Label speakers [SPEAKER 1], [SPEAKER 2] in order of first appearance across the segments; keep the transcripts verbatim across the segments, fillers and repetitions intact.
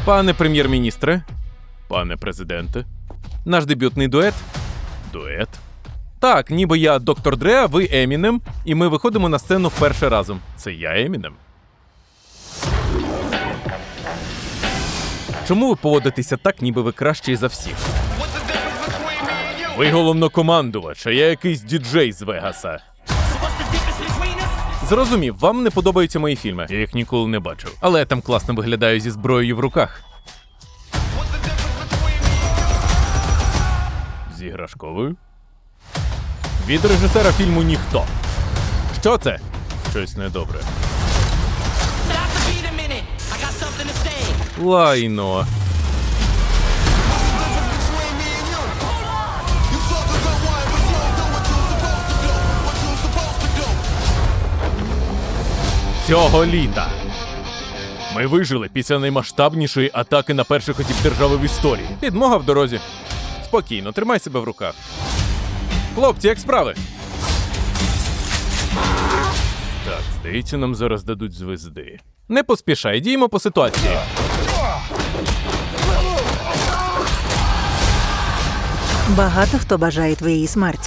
[SPEAKER 1] Пане прем'єр-міністре, пане президенте, наш дебютний дует. Дует? Так, ніби я доктор Дре, а ви Емінем, і ми виходимо на сцену вперше разом. Це я Емінем. Чому ви поводитеся так, ніби ви кращий за всіх? Ви головнокомандувач, а я якийсь діджей з Вегаса. Зрозумів, вам не подобаються мої фільми. Я їх ніколи не бачив. Але я там класно виглядаю зі зброєю в руках. З іграшковою? Від режисера фільму «Ніхто». Що це? Щось недобре. Лайно. Цього літа ми вижили після наймасштабнішої атаки на перших осіб держави в історії. Підмога в дорозі. Спокійно, тримай себе в руках. Хлопці, як справи? Так, здається, нам зараз дадуть звезди. Не поспішай, діємо по ситуації.
[SPEAKER 2] Багато хто бажає твоєї смерті.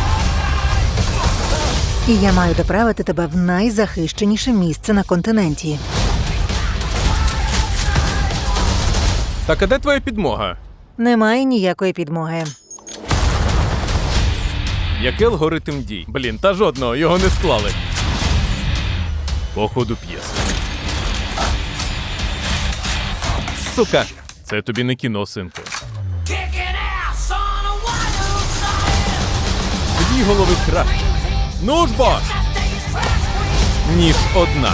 [SPEAKER 2] І я маю доправити тебе в найзахищеніше місце на континенті.
[SPEAKER 1] Так, а де твоя підмога?
[SPEAKER 2] Немає ніякої підмоги.
[SPEAKER 1] Який алгоритм дій? Блін, та жодного, його не склали. По ходу п'єси. Сука! Це тобі не кіно, синку. Дві голови краще. Ну ж бо! Ніж одна.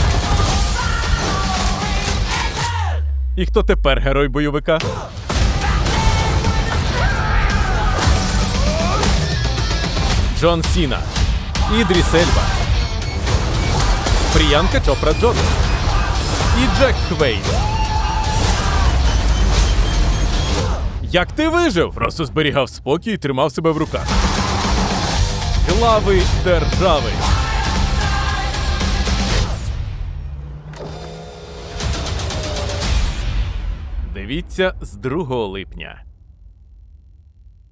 [SPEAKER 1] І хто тепер герой бойовика? Джон Сіна, Ідріс Ельба, Пріянка Чопра Джонс і Джек Хвейн. Як ти вижив? Просто зберігав спокій і тримав себе в руках. Глави держави. Дивіться з другого липня.